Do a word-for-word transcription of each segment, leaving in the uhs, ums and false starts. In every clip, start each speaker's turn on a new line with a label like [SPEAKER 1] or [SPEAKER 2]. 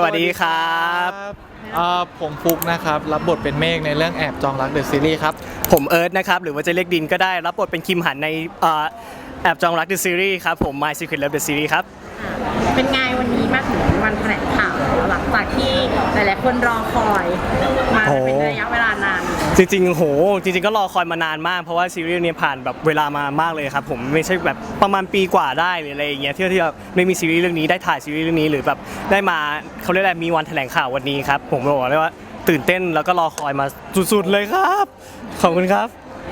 [SPEAKER 1] วัสดีครับ
[SPEAKER 2] ผมฟุกนะครับรับบทเป็นเมฆในเรื่องแอบจองรักเดอะซีรีส์ครับ
[SPEAKER 1] ผมเอิร์ธนะครับหรือว่าจะเรียกดินก็ได้รับบทเป็นคิมหันในแอบจองรักเดอะซีรีส์ครับผม My Secret Love The Series ครับ
[SPEAKER 3] เป็นไงวันนี้มาถึงวันแถลงข่าวหลังจากที่หลายๆคนรอคอยมาเป็นระยะเวลานาน
[SPEAKER 1] จริงๆโหจริงๆก็รอคอยมานานมากเพราะว่าซีรีส์นี้ผ่านแบบเวลามามากเลยครับผมไม่ใช่แบบประมาณปีกว่าได้หรืออะไรอย่างเงี้ยที่ที่ไม่มีซีรีส์เรื่องนี้ได้ถ่ายซีรีส์เรื่องนี้หรือแบบได้มาเขาเรียกอะไรมีวันแถลงข่าววันนี้ครับผมบอกเลยว่าตื่นเต้นแล้วก็รอคอยมาสุดๆเลยครับขอบคุณครับ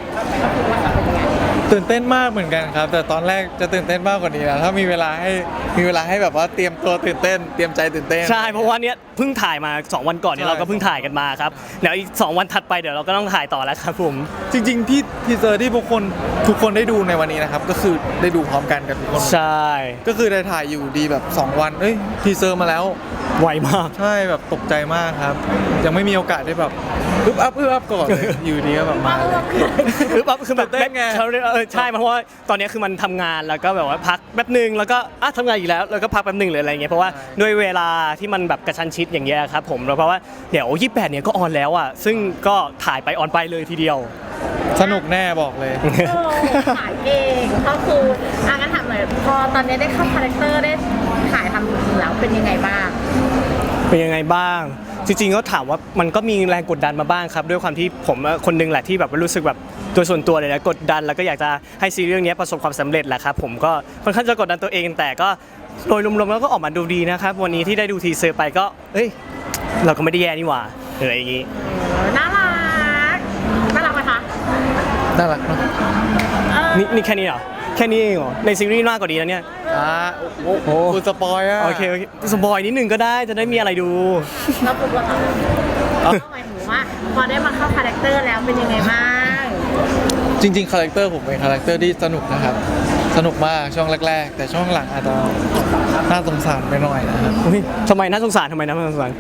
[SPEAKER 2] ตื่นเต้นมากเหมือนกันครับแต่ตอนแรกจะตื่นเต้นมากกว่านี้นะถ้ามีเวลาให้มีเวลาให้แบบว่าเตรียมตัวตื่นเต้นเตรียมใจตื่นเต้น
[SPEAKER 1] ใช่เพราะว่าเนี้ยเพิ่งถ่ายมาสองวันก่อนเนี่ยเราก็เพิ่งถ่ายกันมาครับเดี๋ยวอีกสองวันถัดไปเดี๋ยวเราก็ต้องถ่ายต่อแล้วครับผม
[SPEAKER 2] จริงๆที่ทีเซอร์ที่ทุกคนทุกคนได้ดูในวันนี้นะครับก็คือได้ดูพร้อมกันกับทุกคน
[SPEAKER 1] ใช่
[SPEAKER 2] ก็คือได้ถ่ายอยู่ดีแบบสองวันเอ้ยทีเซอร์มาแล้ว
[SPEAKER 1] ไวมาก
[SPEAKER 2] ใช่แบบตกใจมากครับยังไม่มีโอกาสได้แบบอึ๊บอัพอึ๊บอัพก่อนเลยอยู่ดีก็แบบมาเลย
[SPEAKER 1] อึ๊บอัพคือแบบเต้นไงเออใช่เพราะว่าตอนนี้คือมันทำงานแล้วก็แบบว่าพักแป๊บนึงแล้วก็อ่ะทำงานอีกแล้วแล้วก็พักแป๊บนึงเลยอะไรเงี้ยเพราะว่าด้วยเวลาที่มันแบบกระชั้นชิดอย่างเงี้ยครับผมเพราะว่าเดี๋ยวยี่สิบแปดเนี่ยก็ออนแล้วอ่ะซึ่งก็ถ่ายไปออนไปเลยทีเดียว
[SPEAKER 2] สนุกแน่บอกเลย
[SPEAKER 3] ถ่ายเองก็คืออ่ะงั้นถามหน่อยพอตอนนี้ได้เข้าคาแรคเตอร์ได้ถ่ายทำจริงๆแล้วเป็นยังไงบ้าง
[SPEAKER 1] เป็นยังไงบ้างจริงๆก็ถามว่ามันก็มีแรงกดดันมาบ้างครับด้วยความที่ผมคนนึงแหละที่แบบรู้สึกแบบตัวส่วนตัวเลยนะกดดันแล้วก็อยากจะให้ซีรีส์เรื่องนี้ประสบความสำเร็จแหละครับผมก็ค่อนข้างจะกดดันตัวเองแต่ก็โดยรวมๆแล้วก็ออกมาดูดีนะครับวันนี้ที่ได้ดูทีเซอร์ไปก็เอ้ยเราก็ไม่ได้แย่นี่หว่าอะไรอย่างงี้
[SPEAKER 3] น่ารักน่ารักไหมคะ
[SPEAKER 2] น่ารักเนาะ
[SPEAKER 1] นี่นี่แค่นี้เหรอแค่นี้เองเหรอในซีรีส์มากกว่านี้นะเนี่ย
[SPEAKER 2] อ่าโอ้โหคุณสปอยอ่ะ
[SPEAKER 1] โอเคโอเคสปอยนิดนึงก็ได้จะได้มีอะไรดู
[SPEAKER 3] แล้วปุ๊บเราทำหมายถึงว่าพอได้มาเข้าคาแรคเตอร์แล้วเป็นยังไงบ้าง
[SPEAKER 2] จริงๆคาแรคเตอร์ผมเป็นคาแรคเตอร์ที่สนุกนะครับสนุกมากช่วงแรกๆแต่ช่วงหลังอาจจะน่าสงสารไปหน่อยนะครับ
[SPEAKER 1] ทำไมน่าสงสารทำไมน่าสงสาร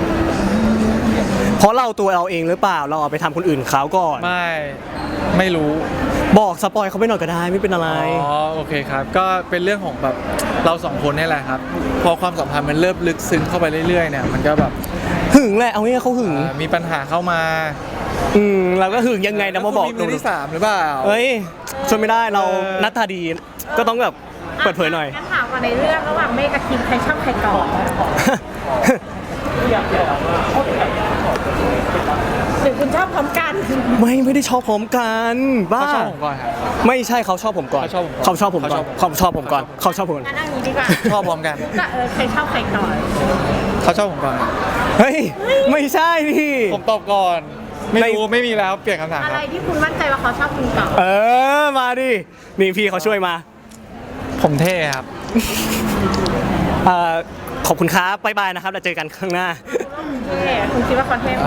[SPEAKER 1] เพราะเราตัวเราเองหรือเปล่าเราเอาไปทำคนอื่นเขาก่อน
[SPEAKER 2] ไม่ไม่รู้
[SPEAKER 1] บอกสปอยเขาไปหน่อยก็ได้ไม่เป็นอะไร
[SPEAKER 2] อ๋อโอเคครับก็เป็นเรื่องของแบบเราสองคนนี่แหละครับพอความสัมพันธ์มันเริ่มลึกซึ้งเข้าไปเรื่อยๆเนี่ยมันก็แบบ
[SPEAKER 1] หึงแหละเอาง่ายเขาหึง
[SPEAKER 2] มีปัญหาเข้ามา
[SPEAKER 1] อืมเราก็หึงยังไงนะมาบอก
[SPEAKER 2] ดูที่สามหรือเปล่า
[SPEAKER 1] เฮ้ยช่วยไม่ได้เรานัดทาดีก็ต้องแบบเปิดเผยหน่อย
[SPEAKER 3] งั้นถามว่าในเรื่องระหว่างเมฆกับคิมใครชอบใครก่อนหรือคุณชอบพร้อมกัน
[SPEAKER 1] ไม่ไม่ได้ชอบพร้อมกันบ้า
[SPEAKER 2] เขาชอบผมก่อนครับ
[SPEAKER 1] ไม่ใช่เขาชอบผมก่อนเขาชอบผมก่อนเขาชอบผมก่อนเขาชอบผมก่อน
[SPEAKER 3] งั้นอันนี้ดีกว่า
[SPEAKER 2] ชอบพร้อมกัน
[SPEAKER 3] ก็เออใครชอบใครก่อน
[SPEAKER 2] เขาชอบผมก่อน
[SPEAKER 1] เฮ้ยไม่ใช่พี่
[SPEAKER 2] ผมตอบก่อนไม่รู้ไม่มีแล้วเปลี่ยนคำถาม
[SPEAKER 3] อะไรที่คุณมั่นใจว่าเขาชอบคุณก่อน
[SPEAKER 1] เออมาดินี่พี่เขาช่วยมา
[SPEAKER 2] ผมเท่ครับ
[SPEAKER 1] ขอบคุณครับบ๊ายบายนะครับเราเจอกันข้างหน้า
[SPEAKER 3] คุณคิดว่าเขาเท่ไหม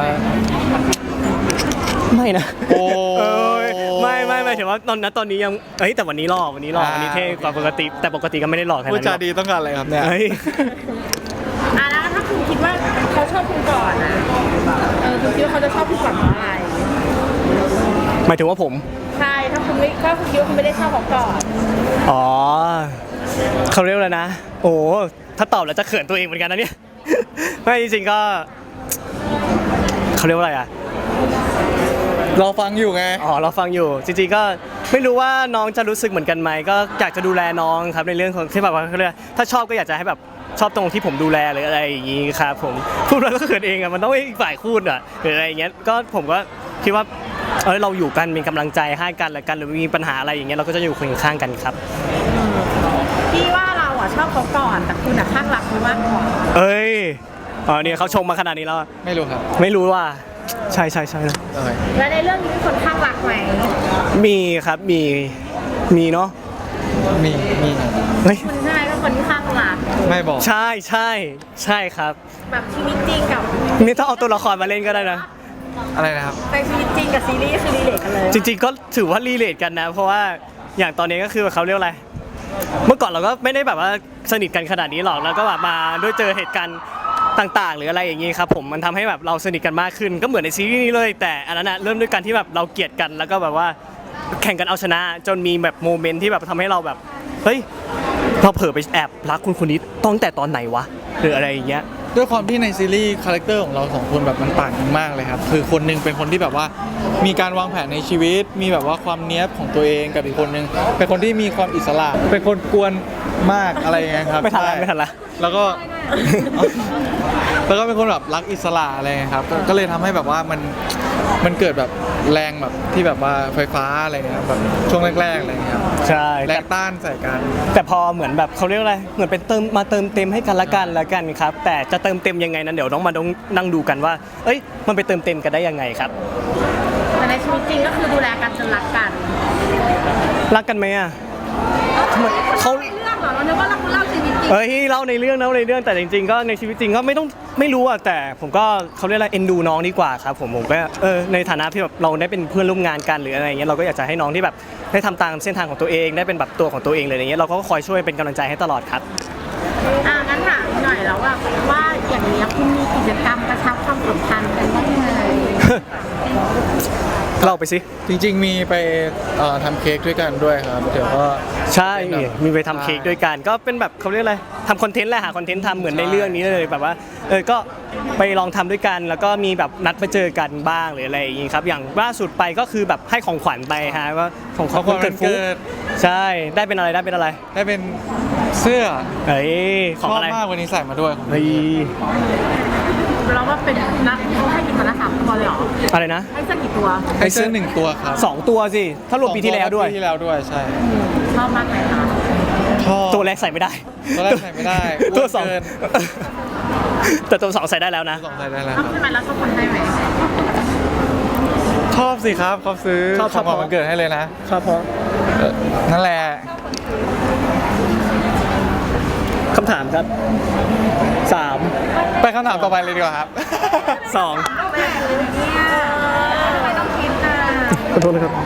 [SPEAKER 1] ไม่นะโอ้ยไม่ไม่ไม่ถือว่าตอนนั้นตอนนี้ยังเอ้ยแต่วันนี้หล่อวันนี้หล่อวันนี้เท่กว่าปกติแต่ปกติก็ไม่ได้หล่อแค่นั้น
[SPEAKER 2] พูดจาดีต้องการอะไรครับเนี่ย
[SPEAKER 3] อ่ะแล้วถ้าคุณคิดว่าเขาชอบคุณก่อนนะเออคุณคิดว่าเขาจะชอบคุณก่อนเพราะอะไร
[SPEAKER 1] หมายถึงว่าผม
[SPEAKER 3] ใช่ถ้าคุณไม่ถ้าคุณคิดว่าคุณไม่ได้ชอบเขาก่อน
[SPEAKER 1] อ๋อเขาเรียกอะไรนะโอ้ถ้าตอบแล้วจะเขินตัวเองเหมือนกันนะเนี่ยไม่จริงๆก็เขาเรียกว่าอะไรอ่ะ
[SPEAKER 2] เราฟังอยู่ไง
[SPEAKER 1] อ๋อเราฟังอยู่จริงๆก็ไม่รู้ว่าน้องจะรู้สึกเหมือนกันไหมก็อยากจะดูแลน้องครับในเรื่องของที่แบบว่าเขาเรียกถ้าชอบก็อยากจะให้แบบชอบตรงที่ผมดูแลหรืออะไรอย่างงี้ครับผมพูดแล้วก็เขินเองอ่ะมันต้องให้อีกฝ่ายพูดอ่ะหรืออะไรอย่างเงี้ยก็ผมก็คิดว่าเออเราอยู่กันเป็นกำลังใจให้กันและกันหรือมีปัญหาอะไรอย่างเงี้ยเราก็จะอยู่ข้างๆกันครับ
[SPEAKER 3] พี่ว่าเราอ่ะชอบเขาก่อนแต่คุณอ่ะข้างรักเขามากกว่า
[SPEAKER 1] เอ้ยอ๋อเนี่ยเขาชมมาขนาดนี้แล้ว
[SPEAKER 2] ไม่รู้ครับ
[SPEAKER 1] ไม่รู้ว่าใช่ใช่ใช่
[SPEAKER 3] แล้วในเรื่องนี้มีคนข้างรักไหม
[SPEAKER 1] มีครับมีมีเนาะ
[SPEAKER 2] มีมี
[SPEAKER 3] เฮ้ยคุณใช่ไหมเป็นคนที่ข้างรัก
[SPEAKER 2] ไม่บอก
[SPEAKER 1] ใช่ใช่ใช่ครับ
[SPEAKER 3] แบบชีวิตจริงกับ
[SPEAKER 1] นี่ถ้าเอาตัวละครมาเล่นก็ได้นะ
[SPEAKER 2] อะไรนะครับ
[SPEAKER 3] ในชีวิตจริงกับซีรีส์คือรีเลทกันเลย
[SPEAKER 1] จริงๆก็ถือว่ารีเลทกันนะเพราะว่าอย่างตอนนี้ก็คือเขาเรียกอะไรเมื่อก่อนเราก็ไม่ได้แบบว่าสนิทกันขนาดนี้หรอกแล้วก็แบบมาด้วยเจอเหตุการณ์ต่างๆหรืออะไรอย่างนี้ครับผมมันทำให้แบบเราสนิทกันมากขึ้นก็เหมือนในซีรีส์นี้เลยแต่อันนั้นนะเริ่มด้วยการที่แบบเราเกลียดกันแล้วก็แบบว่าแข่งกันเอาชนะจนมีแบบโมเมนต์ที่แบบทำให้เราแบบเฮ้ยเราเผลอไปแอบรักคุณคนนี้ตั้งแต่ตอนไหนวะหรืออะไรอย่างเงี้ย
[SPEAKER 2] ด้วยความที่ในซีรีส์คาแรคเตอร์ของเราสองคนแบบมันต่างกันมากเลยครับคือคนหนึงเป็นคนที่แบบว่ามีการวางแผนในชีวิต มีแบบว่าความเนี้ยบของตัวเองกับอีกคนหนึงเป็นคนที่มีความอิสระเป็นคนกวนมากอะไรอย่างเงี้ยครับ
[SPEAKER 1] ไม่ทันละ
[SPEAKER 2] ใช่
[SPEAKER 1] ไม่ทันละ
[SPEAKER 2] แล้วก็ แล้วก็เป็นคนแบบรักอิสระอะไรเงี้ยครับก็ก็เลยทำให้แบบว่ามันมันเกิดแบบแรงแบบที่แบบว่าไฟฟ้าอะไรเงี้ยแบบช่วงแรกๆอะไรเงี้ยครับ
[SPEAKER 1] ใช่
[SPEAKER 2] แรงต้านใส่กัน
[SPEAKER 1] แต่พอเหมือนแบบเขาเรียกว่าอะไรเหมือนเป็นเติมมาเติมเต็มให้กันละกันละกันครับ แต่จะเติมเต็มยังไงนั้นเดี๋ยวต้องมาต้องนั่งดูกันว่า เอ้ยมันไปเติมเต็มกันได้ยังไงครับ
[SPEAKER 3] แต่ในชีวิตจริงก็คือดูแลกันจนรักกัน
[SPEAKER 1] รักกันไหมอ่ะทำไมเขา
[SPEAKER 3] ในเรื่องเหรอเราเนึกว่าเราเล่าชีวิตจริง
[SPEAKER 1] เอ้ยเล่าในเรื่องเล่าในเรื่องแต่จริงๆ ก็ในชีวิตจริงก็ไม่ต้องไม่รู้อ่ะแต่ผมก็เขาเรียกอะไรเอ็นดูน้องดีกว่าครับผมผมก็เออในฐานะที่แบบเราได้เป็นเพื่อนร่วมงานกันหรืออะไรอย่างเงี้ยเราก็อยากจะให้น้องที่แบบได้ทำตามเส้นทางของตัวเองได้เป็นแบบตัวของตัวเองเลยอย่างเงี้ยเราก็คอยช่วยเป็นกำลังใจให้ตลอดครับ
[SPEAKER 3] อ่างั้นถามหน่อยแล้วว่าว่าอย่างนี้ยคุณมีกิจกรรมกระชับความสัมพันธ์กันบ้างไหม
[SPEAKER 1] เล่าไปสิ
[SPEAKER 2] จริงๆมีไปเอ่อทำเค้กด้วยกันด้วยครับเดี๋ยวก็
[SPEAKER 1] ใช่มีไปทำเค้กด้วยกันก็เป็นแบบเขาเรียกอะไรทำคอนเทนต์แหละหาคอนเทนต์ทำเหมือนในเรื่องนี้เลยแบบว่าเออก็ไปลองทำด้วยกัน แล้วก็มีแบบนัดมาเจอกันบ้างหรืออะไรอย่างงี้ครับอย่างล่าสุดไปก็คือแบบให้ของขวัญไปฮะว่าของขวัญวันเกิดฟุ๊กใช่ได้เป็นอะไรได้เป็นอะไร
[SPEAKER 2] ได้เป็นเสื้อ
[SPEAKER 1] เฮ้ยข
[SPEAKER 2] ช
[SPEAKER 1] อง
[SPEAKER 2] อบ
[SPEAKER 1] อะไร
[SPEAKER 2] มากวันนี้ใส่มาด้วย
[SPEAKER 1] เฮ้ย
[SPEAKER 3] เราว่าเป็นนักเขาให้กี่ตัวนะสามตัวเลยเหรอ
[SPEAKER 1] อะไรนะ
[SPEAKER 3] ให้สักกี่ตัว
[SPEAKER 2] ให้เสื้อหนึ่งตัวครับ
[SPEAKER 1] สองตัวสิถ้ารวมปีที่แล้วด้วย
[SPEAKER 2] ปีที่แล้วด้วยใช่
[SPEAKER 3] ชอบมากไหมคะ
[SPEAKER 2] ชอบ
[SPEAKER 1] ตัวแรกใส่ไม่ได้
[SPEAKER 2] ตัวแรกใส่ไม่ได้
[SPEAKER 1] ตัวสอง
[SPEAKER 2] อ้วนเกิน
[SPEAKER 1] แต่ตัวสองใส่ได้แล้วนะ
[SPEAKER 2] สองใส่ได้แล้ว
[SPEAKER 3] ช
[SPEAKER 2] ค
[SPEAKER 3] อบ
[SPEAKER 2] รับ
[SPEAKER 3] ใช่ไหมแล้วชอบคนให้ไหม
[SPEAKER 2] ชอบสิครับเขาซื้อ
[SPEAKER 1] ชอบ
[SPEAKER 2] ของขวัญวันเกิดให้เลยนะครับ
[SPEAKER 1] พ่อ
[SPEAKER 2] เออนั่นแหละ
[SPEAKER 1] คำถามครับสาม
[SPEAKER 2] ไปคำถามต่อไปเลยดีกว่าครับ
[SPEAKER 1] สอง
[SPEAKER 3] เนี่ยไม่ต้องคิดนะ
[SPEAKER 1] ขอโทษนะครับ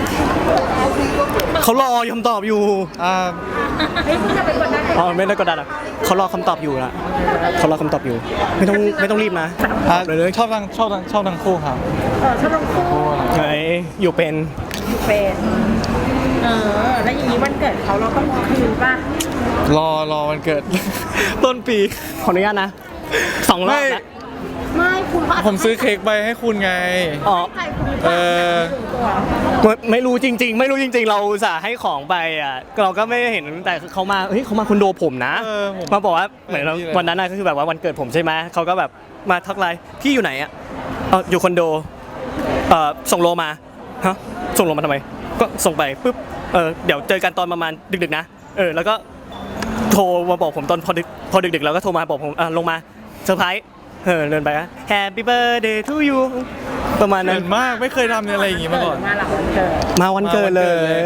[SPEAKER 1] เขารอคำตอบอยู่
[SPEAKER 2] อ่า
[SPEAKER 3] เฮ้ยคุณจะเป็นคนได้
[SPEAKER 1] อ๋อไม่ได้กดดันอ่ะเขารอคำตอบอยู่นะเขารอคำตอบอยู่ ไม่ต้องไม่ต้องรีบนะ
[SPEAKER 2] อ่า
[SPEAKER 1] เลยเลย
[SPEAKER 2] ชอบทั้งชอบทั้งชอบทั้งคู่ครับ
[SPEAKER 3] เออชอบทั้งคู่
[SPEAKER 1] เฮ้ยอยู่เป็น
[SPEAKER 3] เป็นเออแล้วอย่างนี้วันเกิดเขาเราต้องคืนป่ะ
[SPEAKER 2] รอรอวันเกิด ต้นปี
[SPEAKER 1] ขออนุญาตนะสองรอบนะ
[SPEAKER 3] ไม่คุณว่า
[SPEAKER 2] ผมซื้อเค้กไปให้คุณไง
[SPEAKER 1] อ๋อ
[SPEAKER 3] ใครคุณ
[SPEAKER 2] เออ
[SPEAKER 3] ตัว
[SPEAKER 1] ไม่ไม่รู้จริง ๆ ไม่รู้จริง ๆ เราอุตส่าห์ให้ของไปอ่ะเราก็ไม่เห็นแต่เขามาเฮ้ยเขามาคอนโดผมนะ
[SPEAKER 2] เออผม
[SPEAKER 1] มาบอกว่าเหมือนเรา
[SPEAKER 2] พี่เลย
[SPEAKER 1] วันนั้นน่ะก็คือแบบว่าวันเกิดผมใช่ไหมเขาก็แบบมาทักไลน์พี่อยู่ไหนอ่ะเอออยู่คอนโดเออส่งโลมาฮะส่งโลมาทำไม ก็ส่งไปปุ๊บเออเดี๋ยวเจอกันตอนประมาณดึกๆนะเออแล้วก็โทรมาบอกผมตอนพอดึกพอดึกๆแล้วก็โทรมาบอกผมอ่ะลงมาเซอร์ไพรส์เออเดินไปอ่ะ Happy birthday to you ประมาณนั้
[SPEAKER 2] เกิ
[SPEAKER 1] น
[SPEAKER 2] นมากไม่เคยทำอะไรอย่างงี้มาก่อน
[SPEAKER 3] มาหลังวันเกิด
[SPEAKER 1] มาวันเกิดเลย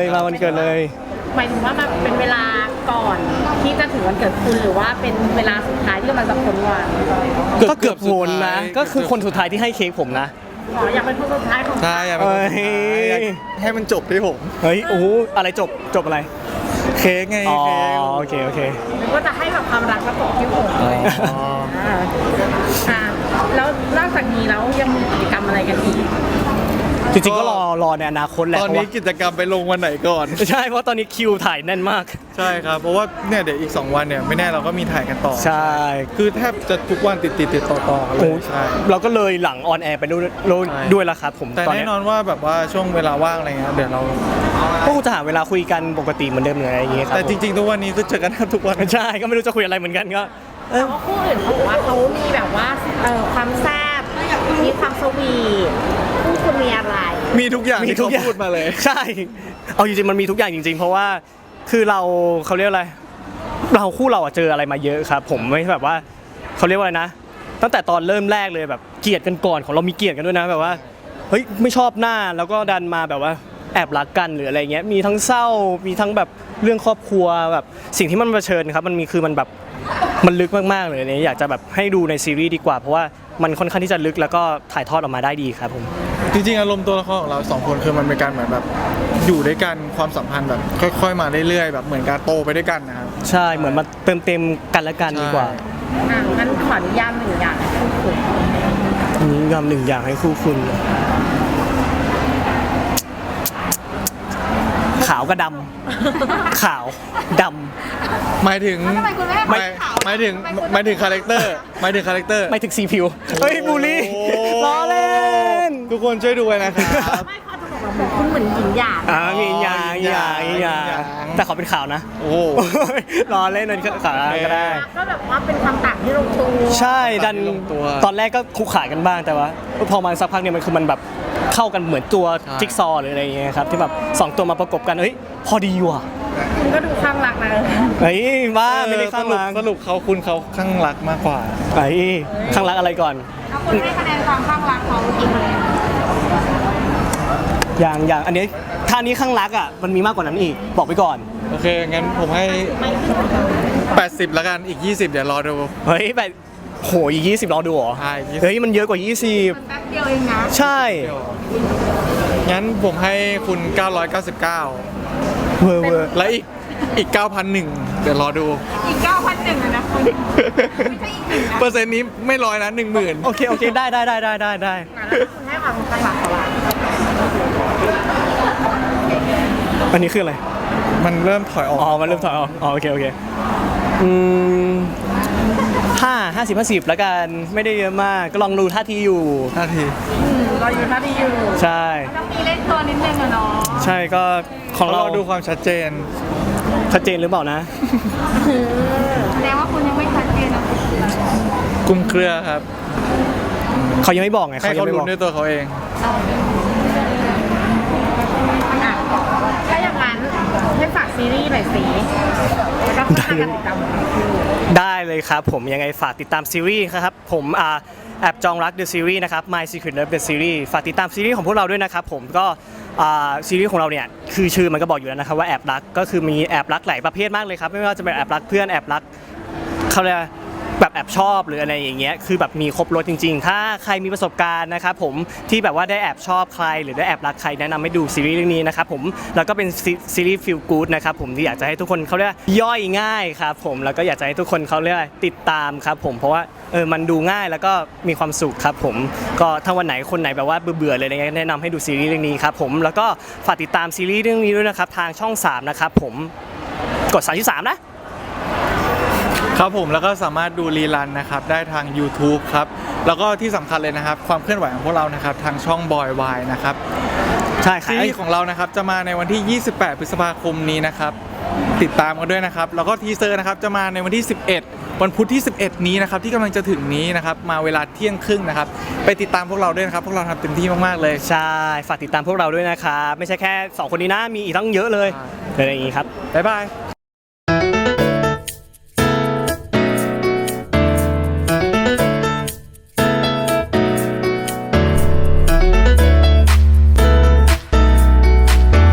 [SPEAKER 2] มา
[SPEAKER 1] มา
[SPEAKER 2] วั
[SPEAKER 1] วัน น
[SPEAKER 2] เกิ
[SPEAKER 1] เกิ
[SPEAKER 2] ด
[SPEAKER 1] ด
[SPEAKER 2] เล
[SPEAKER 1] เลย ย
[SPEAKER 3] หมายถึงว่ามันเป็นเวลาก่อนที่จะถึงวันเกิดคุณหรือว่าเป็นเวลาสุดท้ายที่กำลังจะพ้นวัน
[SPEAKER 1] ก็เกือบโหนนะ ก็คือคนสุดท้ายที่ให้เค้กผมนะ
[SPEAKER 3] อ๋ออยากเป็นคนสุดท้ายของ
[SPEAKER 2] ใช่อยากเป็นคนสุดท้ายอยากให้มันจบที่ผม
[SPEAKER 1] เฮ้ยโอ้โหอะไรจบจบอะไร
[SPEAKER 2] เค้กไง
[SPEAKER 1] อ๋อ
[SPEAKER 2] เค้ก
[SPEAKER 1] โอเคโอเค
[SPEAKER 3] หรือว่าจะให้แบบความรักมาตกที่ผม
[SPEAKER 2] อ๋อ
[SPEAKER 3] อ่าอ่าแล้วนอกจากนี้แล้วยังมีกิจกรรมอะไรกันอีก
[SPEAKER 1] จริงๆก็รอรอในอนาคตแหละ
[SPEAKER 2] ตอน
[SPEAKER 1] เพราะ
[SPEAKER 2] นี้
[SPEAKER 1] ว่า
[SPEAKER 2] กิจกรรมไปลงวันไหนก่อน
[SPEAKER 1] ใช่เพราะตอนนี้คิวถ่ายแน่นมาก
[SPEAKER 2] ใช่ครับ เพราะว่าเนี่ยเดี๋ยวอีก สอง วันเนี่ยไม่แน่เราก็มีถ่ายกันต่อ
[SPEAKER 1] ใช่
[SPEAKER 2] คือแทบจะทุกวันติดติดติดต่อต่อๆกันเล
[SPEAKER 1] โอ้
[SPEAKER 2] ยใช่
[SPEAKER 1] เราก็เลยหลังออนแอร์ไปด้วยด้วย
[SPEAKER 2] ใช่
[SPEAKER 1] ด้วยแล้วครับผม
[SPEAKER 2] แต่
[SPEAKER 1] ตอน
[SPEAKER 2] แน่
[SPEAKER 1] เนี้ย
[SPEAKER 2] นอนว่าแบบว่าช่วงเวลาว่างอะไรเงี้ยเดี๋ยวเรา
[SPEAKER 1] ก็คงจะหาเวลาคุยกันปกติเหมือนเดิมเลยอะไรอย่างเงี้ยครับ
[SPEAKER 2] แต่จริงๆทุกวันนี้คือเจอกันแทบทุกวัน
[SPEAKER 1] ๆใช่ก็ไม่รู้จะคุยอะไรเหมือนกันก็เอ
[SPEAKER 3] แต่
[SPEAKER 1] อ
[SPEAKER 3] ว่าคู่อื่นเขาบอกว่าเขามีแบบว่าเออความแซ่บมีความสวีทคู่คุณมีอะไร
[SPEAKER 2] มีทุกอย่าง
[SPEAKER 1] มี
[SPEAKER 2] ที่
[SPEAKER 1] ทุก
[SPEAKER 2] เขา
[SPEAKER 1] อย่าง
[SPEAKER 2] พูดมาเลย
[SPEAKER 1] ใช่ เอาจริงๆมันมีทุกอย่างจริง ๆ เพราะว่าคือเราเขาเรียกอะไร เราคู่เราอะเจออะไรมาเยอะครับ ผมไม่แบบว่าเขาเรียกว่าอะไรนะ ตั้งแต่ตอนเริ่มแรกเลยแบบเกลียดกันก่อนของเรามีเกลียดกันด้วยนะแบบว่าเฮ้ยไม่ชอบหน้าแล้วก็ดันมาแบบว่าแอบรักกันหรืออะไรเงี้ยมีทั้งเศร้ามีทั้งแบบเรื่องครอบครัวแบบสิ่งที่มันเผชิญครับมันมีคือมันแบบมันลึกมากๆเลยเนี่ยอยากจะแบบให้ดูในซีรีส์ดีกว่าเพราะว่ามันค่อนข้างที่จะลึกแล้วก็ถ่ายทอดออกมาได้ดีครับผม
[SPEAKER 2] จริงๆอารมณ์ตัวละครของเราสองคนคือมันเป็นการเหมือนแบบอยู่ด้วยกันความสัมพันธ์แบบค่อยๆมาเรื่อยๆแบบเหมือนการโตไปด้วยกันนะครับ
[SPEAKER 1] ใช่เหมือนมาเติมเต็มกันและกันดีกว่า
[SPEAKER 3] อ่ะงั้นขออนุญาตหนึ่งอย่างคู่คุณ
[SPEAKER 1] อันนี้ยอมหนึ่งอย่างให้คู่คุณ ขาวกับดำ ขาวดำ
[SPEAKER 2] หมายถึง
[SPEAKER 3] ทำไมคุณไม่ให้
[SPEAKER 2] ไม่
[SPEAKER 3] ขาว
[SPEAKER 2] หมายถึงหมายถึงคาแรคเตอร์หมายถึงคาแรคเตอร์
[SPEAKER 1] ไม่ถึงสีผิวเฮ้ยบูลลี่ล้อเล่น
[SPEAKER 2] ทุกคนช่วยดูไว้นะครับ
[SPEAKER 3] ไม่เขาจะบอกว่าแบบคุณเหมือนหญิงหยาด
[SPEAKER 1] อ่ามีหยางหยางหยางแต่ขอเป็นข่าวนะ
[SPEAKER 2] โอ้โห
[SPEAKER 1] ล้อเล่นนั่นข่าวก็ได้
[SPEAKER 3] ก็แบบว่าเป็นความต่างที่ลงตัว
[SPEAKER 1] ใช่ดัน
[SPEAKER 2] ลงตัว
[SPEAKER 1] ตอนแรกก็คุกขากันบ้างแต่ว่าพอมาสักพักเนี่ยมันคือมันแบบเข้ากันเหมือนตัว
[SPEAKER 2] ใช่
[SPEAKER 1] จิ๊กซอว์หรืออะไรอย่างเงี้ยครับที่แบบสองตัวมาประกบกันเฮ้ยพอดีว่ะ
[SPEAKER 3] คุณก็ดูข้างรักนะ
[SPEAKER 1] เฮ้ยบ้าไม่ได้ข้าง
[SPEAKER 2] สรุป
[SPEAKER 1] รัก
[SPEAKER 2] สรุปเขาคุณเขาข้างรักมากกว่า
[SPEAKER 1] เฮ้ยข้างรักอะไรก่อน
[SPEAKER 3] แล้วคุณให้คะแนนความข้างรักเขากี่คะแนน
[SPEAKER 1] อย่างอย่างอันนี้ท่านี้ข้างรักอ่ะมันมีมากกว่านั้นอีกบอกไปก่อน
[SPEAKER 2] โอเค งั้นผมให้ แปดสิบแล้วกันอีก ยี่สิบ เดี๋ยวรอดู
[SPEAKER 1] เฮ้ยแบบโหอีกยี่สิบรอดูเหรอ
[SPEAKER 2] ใช่ยี่สิบ
[SPEAKER 1] เฮ้ยมันเยอะกว่ายี่สิบ
[SPEAKER 3] แป๊บเดียวเองนะ
[SPEAKER 1] ใช่
[SPEAKER 2] งั้นผมให้คุณ เก้าร้อยเก้าสิบเก้า
[SPEAKER 1] เวอร์เวอร์
[SPEAKER 2] และอีกอีก เก้าพันหนึ่ง เดี๋ยวรอดู
[SPEAKER 3] อีกเก้าพันหนึ่งนะคุณไม่ใช่อีกหนึ่งนะ
[SPEAKER 2] เปอร์เซ็นต์นี้ไม่ร้อยนะหนึ่งหมื่น
[SPEAKER 1] โอเคโอเคได้ได้ได้ได้ได้ได้
[SPEAKER 3] แล้วคุณให้ความข้างรักเขาละ
[SPEAKER 1] อันนี้คืออะไร
[SPEAKER 2] มันเริ่มถอยออก
[SPEAKER 1] อ๋อ มันเริ่มถอยออกอ๋อ โอเค โอเค อืมห้าห้าสิบห้าสิบแล้วกัน ไม่ได้เยอะมาก ก็ลองดูท่าทีอยู่
[SPEAKER 2] นาที
[SPEAKER 3] อืมเราอยู่ท่าดีอยู่
[SPEAKER 1] ใช่
[SPEAKER 3] ต้องมีเล่นตัวนิดนึงอะเนาะ
[SPEAKER 1] ใช่ก็ของ
[SPEAKER 2] เรา
[SPEAKER 1] เรา
[SPEAKER 2] ดูความชัดเจน
[SPEAKER 1] ชัดเจนหรือเปล่านะ
[SPEAKER 3] แสดงว่าคุณยังไม่ชัดเจนนะ
[SPEAKER 2] กลุ่มเครือครับ
[SPEAKER 1] เขายังไม่บอกไง
[SPEAKER 2] ให้
[SPEAKER 1] เขายั
[SPEAKER 2] เขา
[SPEAKER 1] งไม่
[SPEAKER 2] รู้
[SPEAKER 1] บอก
[SPEAKER 2] ด้วยตัวเขาเอง
[SPEAKER 3] อ่ะถ้าอย่างนั้นให้ฝากซีรีส์หน่อยสิแล้วก็ฝากการติดตามของเราคือ
[SPEAKER 1] ได้เลยครับผมยังไงฝากติดตามซีรีส์ครับผมอ่าแอบจองรัก The Series นะครับ My Secret Love The Series ฝากติดตามซีรีส์ของพวกเราด้วยนะครับผมก็อ่าซีรีส์ของเราเนี่ยคือชื่อมันก็บอกอยู่แล้วนะครับว่าแอบรักก็คือมีแอบรักหลายประเภทมากเลยครับไม่ว่าจะเป็นแอบรักเพื่อนแอบรักเขาเรียกว่าแบบแอบชอบหรืออะไรอย่างเงี้ยคือแบบมีครบรถจริงๆ ถ้าใครมีประสบการณ์นะครับผมที่แบบว่าได้แอบชอบใครหรือได้แอบรักใครแนะนำให้ดูซีรีส์เรื่องนี้นะครับผมแล้วก็เป็นซีซีรีส์ฟีลกู๊ดนะครับผมที่อยากจะให้ทุกคนเขาเรียกว่าย่อยง่ายครับผมแล้วก็อยากจะให้ทุกคนเขาเรียกว่าติดตามครับผมเพราะว่าเออมันดูง่ายแล้วก็มีความสุขครับผมก็ถ้าวันไหนคนไหนแบบว่าเบื่อๆเลยอะไรเงี้ยแนะนำให้ดูซีรีส์เรื่องนี้ครับผมแล้วก็ฝากติดตามซีรีส์เรื่องนี้ด้วยนะครับทางช่องสามนะครับผมกดสามที่สามนะ
[SPEAKER 2] ครับผมแล้วก็สามารถดูรีรันนะครับได้ทาง YouTube ครับแล้วก็ที่สำคัญเลยนะครับความเคลื่อนไหวของพวกเรานะครับทางช่องบอยวายนะครับ
[SPEAKER 1] ใช่ค่ะ
[SPEAKER 2] ซีรีส์ของเรานะครับจะมาในวันที่ ยี่สิบแปด พฤษภาคมนี้นะครับติดตามกันด้วยนะครับแล้วก็ทีเซอร์นะครับจะมาในวันที่ สิบเอ็ด วันพุธที่ สิบเอ็ด นี้นะครับที่กำลังจะถึงนี้นะครับมาเวลาเที่ยงครึ่งนะครับไปติดตามพวกเราด้วยนะครับพวกเราทำเต็มที่มากๆเลย
[SPEAKER 1] ใช่ฝากติดตามพวกเราด้วยนะครับไม่ใช่แค่สองคนนี้นะมีอีกตั้งเยอะเลยอะไรอย่างงี้ครับ
[SPEAKER 2] บ๊ายบาย